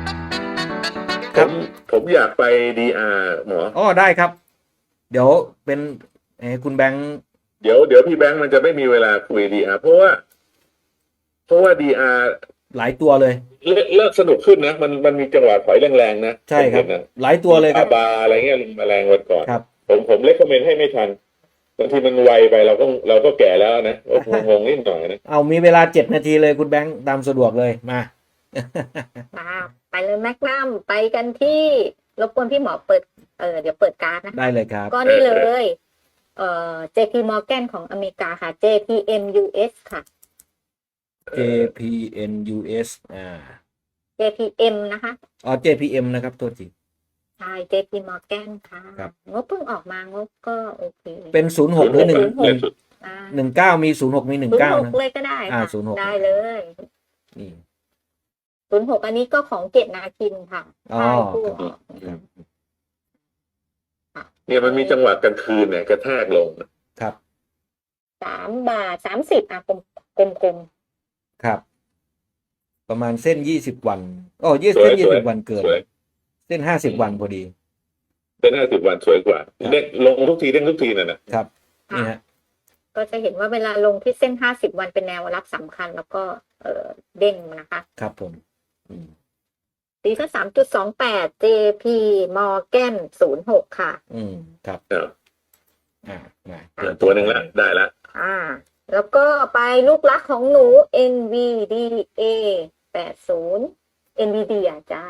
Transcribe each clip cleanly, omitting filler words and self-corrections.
ครับผมอยากไปดีอาร์หมออ๋อได้ครับเดี๋ยวเป็นคุณแบงค์เดี๋ยวพี่แบงค์มันจะไม่มีเวลาคุยดีอาร์เพราะว่าดีอาร์หลายตัวเลยเลิกสนุกขึ้นนะมันมีจังหวะถอยแรงๆนะใช่ครับผมเห็นนะหลายตัวมีเลยครับบาอะไรเงี้ยลิงแมลงวันก่อนครับผมเลคคอมเมนต์ให้ไม่ทันบางทีมันไวไปเราก็แก่แล้วนะก็งงนิดหน่อยนะเอามีเวลา7 นาทีเลยคุณแบงค์ตามสะดวกเลยมามาไปเลยแมกนัมไปกันที่รบกวนพี่หมอเปิดเดี๋ยวเปิดการ์ดนะได้คะเลยครับก็นี่เลยJP Morgan ของอเมริกาค่ะ JPM US ค่ะ JPN US JPM นะคะอ๋อ JPM นะครับตัวจริงใช่ JP Morgan ค่ะครับงบเพิ่งออกมางบก็โอเคเป็น06หรือ1 อ่า 19มี06มี19นะ 06เลยก็ได้ค่ะ 06 ได้เลยนี่ 06อันนี้ก็ของเกตนาคินค่ะอ๋อใช่ผู้ออกเนี่ยมันมีจังหวะกลางคืนเนี่ยกระแทกลงครับ 3.30 บาทอ่ะกลมครับ ประมาณเส้น20 วันอ๋อเส้น20 วันเกินสวยเส้น50 วันพอดีเส้น50 วันสวยกว่าเด้งลงทุกทีเด้งทุกทีน่ะนะครับๆนี่ค่ะฮะก็จะเห็นว่าเวลาลงที่เส้น50 วันเป็นแนวรับสำคัญ แล้วก็เด้งนะคะครับผมอืมตีก็3.28 JP Morgan 06 ค่ะครับเออมาตัวหนึ่งละได้ละแล้วก็ไปลูกรักของหนู NVDA 80 NVIDIA จ้า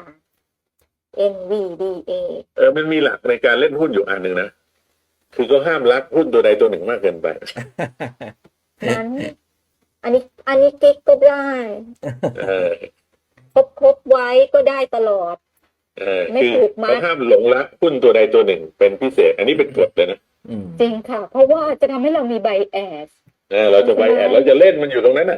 NVDA มันมีหลักในการเล่นหุ้นอยู่อันหนึ่งนะคือก็ห้ามรักหุ้นตัวใดตัวหนึ่งมากเกินไปนั้น อันนี้กิ๊กก็ได้เออครบไว้ก็ได้ตลอด ไม่คือผูกมัดเขาห้ามหลงรักหุ้นตัวใดตัวหนึ่งเป็นพิเศษ อันนี้เป็นกฎเลยนะจริงค่ะ เพราะว่าจะทำให้เรามีไบแอสเราจะไปแอดเราจะเล่นมันอยู่ตรงนั้นน่ะ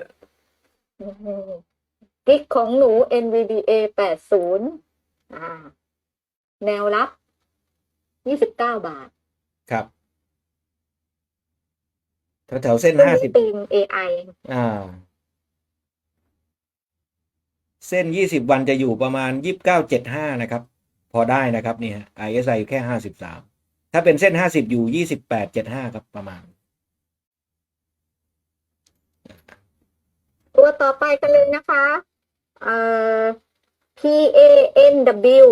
กิ๊กของหนู NVDA 80แนวรับ29 บาทครับแถวเส้น50 ตีม AI เส้น20 วันจะอยู่ประมาณ29.75นะครับพอได้นะครับนี่ฮะ RSI อยู่แค่53ถ้าเป็นเส้น50อยู่28.75ครับประมาณตัวต่อไปกันเลยนะคะPANW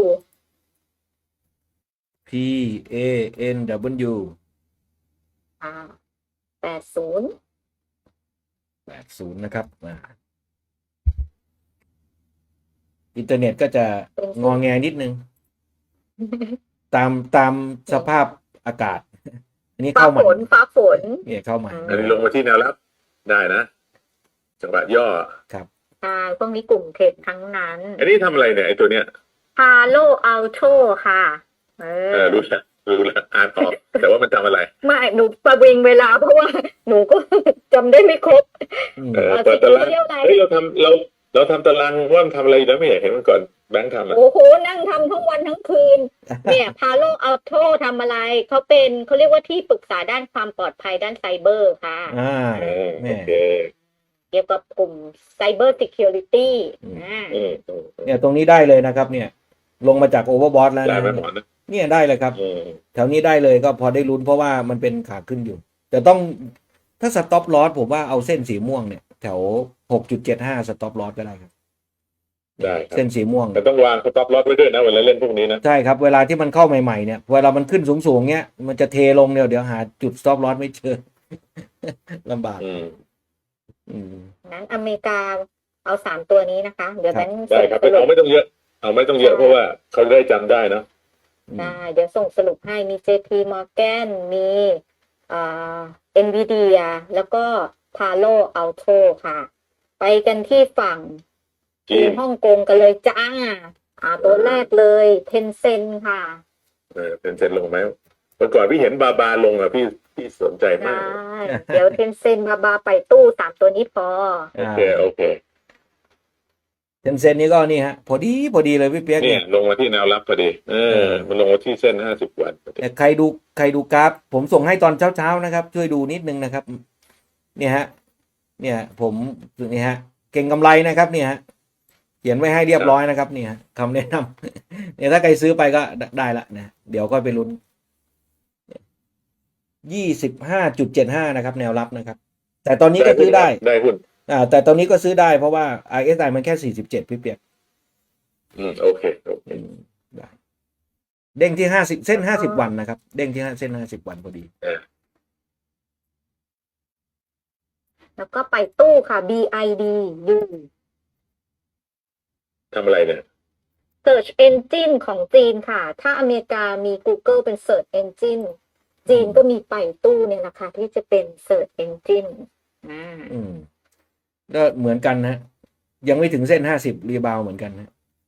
PANW 80นะครับอินเทอร์เน็ตก็จะงอแงนิดนึง ตามสภาพอากาศ อันนี้เข้ามาฟ้าฝนเนี่ยเข้ามาอันนี้ลงมาที่แนวรับได้นะจังหวะย่อครับพวกนี้กลุ่มเทรดทั้งนั้นอันนี้ทำอะไรเนี่ยไอ้ตัวเนี้ย Palo Alto ค่ะรู้แล้วอ่านออกแต่ว่ามันทำอะไรไม่หนูประวิงเวลาเพราะว่าหนูก็จำได้ไม่ครบเปิดตารางเฮ้ยเราทำตารางว่ามันทำอะไรอยู่แล้วไม่อยากเห็นมันก่อนแบงค์ทำอ่ะโอ้โหนั่งทำทั้งวันทั้งคืน เนี่ย Palo Alto ทำอะไรเขาเรียกว่าที่ปรึกษาด้านความปลอดภัยด้านไซเบอร์ค่ะแม่โอเคเกี่ยวกับกลุ่ม Cyber Security เนี่ยตรงนี้ได้เลยนะครับเนี่ยลงมาจากโอเวอร์บอทแล้วได้นะไหมหมอนะเนี่ยได้เลยครับแถวนี้ได้เลยก็พอได้ลุ้นเพราะว่ามันเป็นขาขึ้นอยู่แต่ต้องถ้าสต็อปลอสผมว่าเอาเส้นสีม่วงเนี่ยแถว 6.75 สต็อปลอสก็ได้ครับได้ครับเส้นสีม่วงแต่ต้องวางสต็อปลอสไว้ด้วยนะเวลาเล่นพวกนี้นะใช่ครับเวลาที่มันเข้าใหม่ๆเนี่ยเวลามันขึ้นสูงๆเนี้ยมันจะเทลงเนี่ยเดี๋ยวหาจุดสต็อปลอสไม่เจอ ลำบากนั้นอเมริกาเอา3 ตัวนี้นะคะเดี๋ยวแบงค์ได้ครับเอาไม่ต้องเยอะเพราะว่าเขาได้จำได้นะเดี๋ยวส่งสรุปให้มี JP Morgan มีNVIDIA แล้วก็ Palo Alto ค่ะ ไปกันที่ฝั่งจีนฮ่องกงกันเลยจ้าตัวแรกเลย Tencent ค่ะ Tencent ลงไหมเมื่อก่อนพี่เห็นบาลงอ่ะพี่สนใจมากเดี๋ยว Tencent บาไปตู้3 ตัวนี้พอโอเค Tencent นี่ก็นี่ฮะพอดีเลยพี่เปียกเนี่ยลงมาที่แนวรับพอดีมันลงมาที่เส้น50 วันแต่ใครดูกราฟผมส่งให้ตอนเช้านะครับช่วยดูนิดนึงนะครับเนี่ยฮะเนี่ยผมนี่ฮะเก่งกำไรนะครับเนี่ยฮะเขียนไว้ให้เรียบร้อยนะครับเนี่ยคำแนะนำ เนี่ยถ้าใครซื้อไปก็ได้ละนะเดี๋ยวก็ไปลุ้น 25.75 นะครับ แนวรับนะครับ แต่ตอนนี้ก็ซื้อได้ได้หุ้นแต่ตอนนี้ก็ซื้อได้เพราะว่า RSI มันแค่47พี่เปียกโอเคได้เด้งที่50เส้น50วันนะครับเด้งที่เส้น50วันพอดีแล้วก็ไปตู้ค่ะ BIDU ทำอะไรเนี่ย Search Engine ของจีนค่ะ ถ้าอเมริกามี Google เป็น Search Engine จีนก็มีไปตู้เนี่ยนะคะที่จะเป็น Search Engine ก็เหมือนกันนะยังไม่ถึงเส้น50รีบาวเหมือนกันนะ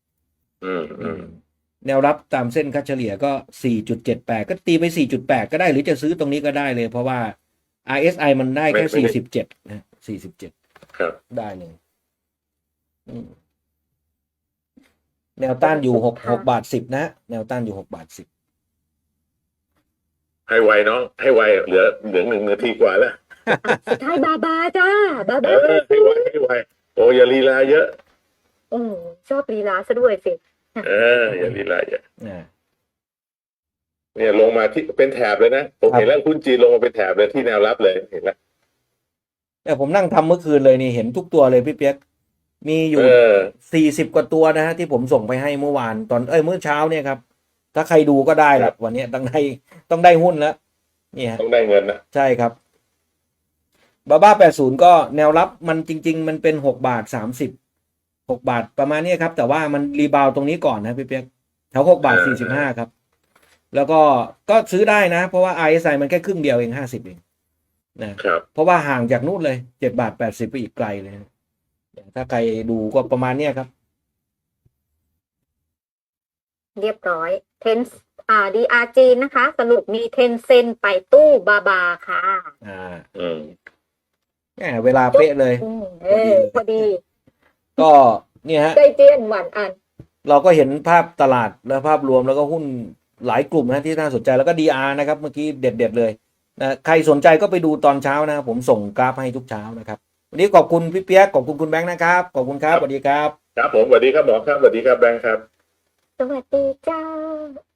แนวรับตามเส้นค่าเฉลี่ยก็ 4.78 ก็ตีไป 4.8 ก็ได้หรือจะซื้อตรงนี้ก็ได้เลยเพราะว่า RSI มันได้แค่ 47 นะ47 ครับได้เลยแนวต้านอยู่6 บาท 10 นะแนวต้านอยู่6 บาท 10 ให้ไวน้องให้ไวเหลือ1 นาทีกว่าแล้วสุดท้ายบาบาจ้าบาบาให้ไวโอ้อย่าลีลาเยอะชอบลีลาซะด้วยสิอย่าลีลาเยอะนะเนี่ยลงมาที่เป็นแถบเลยนะผมเห็นแล้วหุ้นจีนลงมาเป็นแถบเลยที่แนวรับเลยเห็นแล้วเนี่ยผมนั่งทำเมื่อคืนเลยนี่เห็นทุกตัวเลยพี่เปียกมีอยู่40 กว่าตัวนะฮะที่ผมส่งไปให้เมื่อวานตอนเมื่อเช้าเนี่ยครับถ้าใครดูก็ได้ละวันนี้ต้องได้หุ้นแล้วนี่ฮะต้องได้เงินนะใช่ครับบาบ้า80ก็แนวรับมันจริงๆมันเป็น6 บาท 30 6 บาทประมาณนี้ครับแต่ว่ามันรีบาวตรงนี้ก่อนนะพี่เปียกแถว6 บาท 45ครับแล้วก็ซื้อได้นะเพราะว่า RSI มันแค่ครึ่งเดียวเอง50เองนะครับเพราะว่าห่างจากนู่นเลย7 บาท 80ไปอีกไกลเลยนะถ้าใครดูก็ประมาณนี้ครับเรียบร้อยDRG นะคะ สรุปมี10 เซนไปตู้บาบาค่ะเวลาเป๊ะเลยพอดีก็เนี่ยฮะใจเจียนหวานอันเราก็เห็นภาพตลาดและภาพรวมแล้วก็หุ้นหลายกลุ่มนะที่น่าสนใจแล้วก็ DR นะครับเมื่อกี้เด็ดเลยนะใครสนใจก็ไปดูตอนเช้านะผมส่งกราฟให้ทุกเช้านะครับวันนี้ขอบคุณพี่เปียกขอบคุณคุณแบงค์นะครับขอบคุณครับสวัสดีครับครับผมสวัสดีครับหมอครับสวัสดีครับแบงค์ครับสวัสดีจ้า